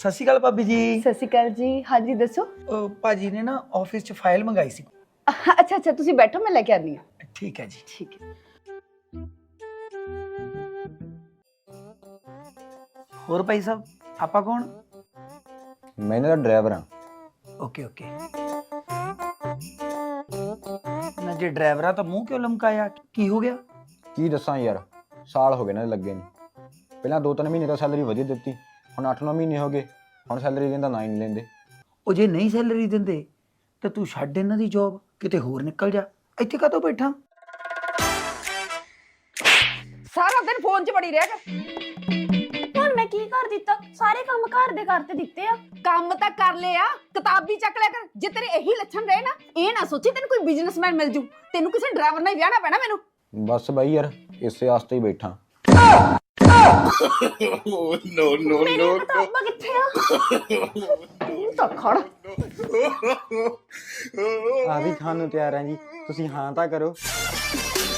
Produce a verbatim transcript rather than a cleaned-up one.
ਸਤਿ ਸ਼੍ਰੀ ਅਕਾਲ ਭਾਬੀ ਜੀ। ਸਤਿ ਸ਼੍ਰੀ ਅਕਾਲ ਜੀ। ਹਾਂਜੀ ਦੱਸੋ। ਅਹ ਭਾਜੀ ਨੇ ਨਾ ਆਫਿਸ 'ਚ ਫਾਈਲ ਮੰਗਾਈ ਸੀ। ਅੱਛਾ ਅੱਛਾ ਤੁਸੀਂ ਬੈਠੋ, ਮੈਂ ਲੈ ਕੇ ਆਨੀ ਹਾਂ। ਠੀਕ ਹੈ ਜੀ। ਠੀਕ ਹੈ। ਹੋਰ ਭਾਈ ਸਾਹਿਬ, ਆਪਾਂ ਕੌਣ? ਮੈਂ ਇਹਨਾਂ ਦਾ ਡਰਾਈਵਰ ਹਾਂ। Okay okay. ਨਾ ਜੇ ਡਰਾਈਵਰ ਆ ਤਾਂ ਮੂੰਹ ਕਿਉਂ ਲਮਕਾਇਆ, ਕੀ ਹੋ ਗਿਆ? ਕੀ ਦੱਸਾਂ ਯਾਰ, ਸਾਲ ਹੋ ਗਏ ਨਾ ਲੱਗੇ ਨੂੰ। ਪਹਿਲਾਂ ਦੋ ਤਿੰਨ ਮਹੀਨੇ ਤਾਂ ਸੈਲਰੀ ਵਧੀਆ ਦਿੱਤੀ, ਹੁਣ ਅੱਠ ਨੌ ਮਹੀਨੇ ਹੋ ਗਏ, ਹੁਣ ਸੈਲਰੀ ਦਿੰਦਾ ਨਾ ਹੀ ਨਹੀਂ ਲੈਂਦੇ। ਉਹ ਜੇ ਨਹੀਂ ਸੈਲਰੀ ਦਿੰਦੇ ਤਾਂ ਤੂੰ ਛੱਡ ਇਹਨਾਂ ਦੀ ਜੌਬ, ਕਿਤੇ ਹੋਰ ਨਿਕਲ ਜਾ। ਇੱਥੇ ਕਾਹਤੋਂ ਬੈਠਾ? ਸਾਰਾ ਦਿਨ ਫੋਨ 'ਚ ਬੜੀ ਰਹਿ ਕਰ। ਹੁਣ ਮੈਂ ਕੀ ਕਰ ਦਿੱਤਾ? ਸਾਰੇ ਕੰਮ ਘਰ ਦੇ ਕਰਤੇ ਦਿੱਤੇ ਆ। ਕੰਮ ਤਾਂ ਕਰ ਲਿਆ, ਕਿਤਾਬ ਵੀ ਚੱਕ ਲਿਆ ਕਰ। ਜੇ ਤੇਰੇ ਇਹੀ ਲੱਛਣ ਰਹੇ ਨਾ, ਇਹ ਨਾ ਸੋਚੀ ਤੈਨੂੰ ਕੋਈ ਬਿਜ਼ਨਸਮੈਨ ਮਿਲ ਜੂ। ਤੈਨੂੰ ਕਿਸੇ ਡਰਾਈਵਰ ਨਾਲ ਹੀ ਵਿਆਹਣਾ ਪੈਣਾ ਮੈਨੂੰ। ਬਸ ਬਾਈ ਯਾਰ, ਇਸੇ ਆਸਤੇ ਹੀ ਬੈਠਾ। ਨੋ ਨੋ ਨੋ ਕਿਤਾਬਾਂ ਕਿੱਥੇ ਆ? ਤਾਂ ਖੜ। ਆ ਵੀ ਖਾਣ ਨੂੰ ਤਿਆਰ ਹੈ ਜੀ, ਤੁਸੀਂ ਹਾਂ ਤਾਂ ਕਰੋ।